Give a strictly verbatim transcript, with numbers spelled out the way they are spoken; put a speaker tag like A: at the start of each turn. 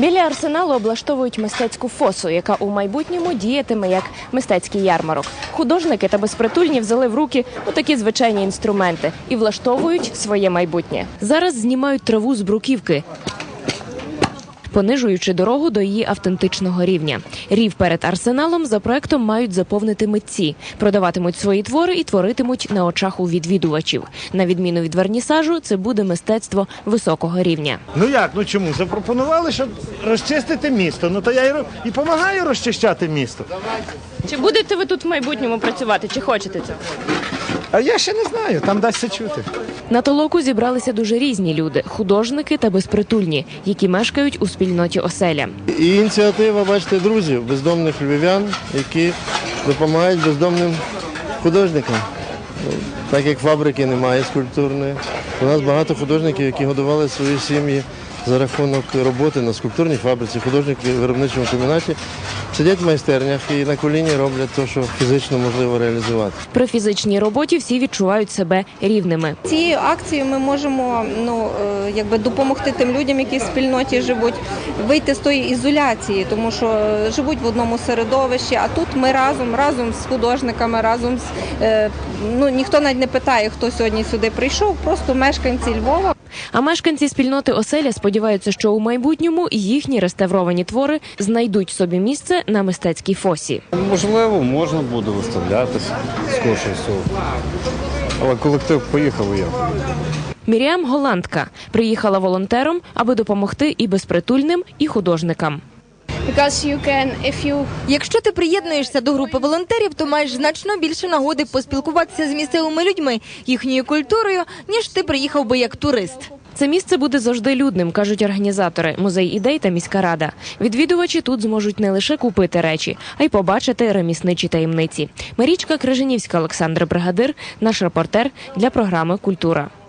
A: Біля арсеналу облаштовують мистецьку фосу, яка у майбутньому діятиме як мистецький ярмарок. Художники та безпритульні взяли в руки отакі звичайні інструменти і влаштовують своє майбутнє. Зараз знімають траву з бруківки, понижуючи дорогу до її автентичного рівня. Рів перед арсеналом за проектом мають заповнити митці. Продаватимуть свої твори і творитимуть на очах у відвідувачів. На відміну від вернісажу, це буде мистецтво високого рівня.
B: Ну як, ну чому? Запропонували, щоб розчистити місто. Ну то я і, і допомагаю розчищати місто.
A: Чи будете ви тут в майбутньому працювати, чи хочете цього?
B: А я ще не знаю, там дасться чути.
A: На толоку зібралися дуже різні люди – художники та безпритульні, які мешкають у спільноті оселя.
C: І ініціатива, бачите, друзів, бездомних львів'ян, які допомагають бездомним художникам. Так як фабрики немає скульптурної, у нас багато художників, які годували свої сім'ї за рахунок роботи на скульптурній фабриці, художники в виробничому комбінаті сидять в майстернях і на коліні роблять те, що фізично можливо реалізувати.
A: При фізичній роботі всі відчувають себе рівними.
D: Цією акцією ми можемо ну, якби допомогти тим людям, які в спільноті живуть, вийти з тої ізоляції, тому що живуть в одному середовищі, а тут ми разом, разом з художниками, разом з... Ну, ніхто навіть не питає, хто сьогодні сюди прийшов, просто мешканці Львова.
A: А мешканці спільноти оселя сподіваються, що у майбутньому їхні реставровані твори знайдуть собі місце на мистецькій фосі.
E: Можливо, можна буде виставлятися з кошельців. Але колектив поїхав і я.
A: Міріам – голландка. Приїхала волонтером, аби допомогти і безпритульним, і художникам.
F: Якщо ти приєднуєшся до групи волонтерів, то маєш значно більше нагоди поспілкуватися з місцевими людьми, їхньою культурою, ніж ти приїхав би як турист.
A: Це місце буде завжди людним, кажуть організатори, музей ідей та міська рада. Відвідувачі тут зможуть не лише купити речі, а й побачити ремісничі таємниці. Марічка Крижанівська, Олександр Бригадир, наш репортер для програми «Культура».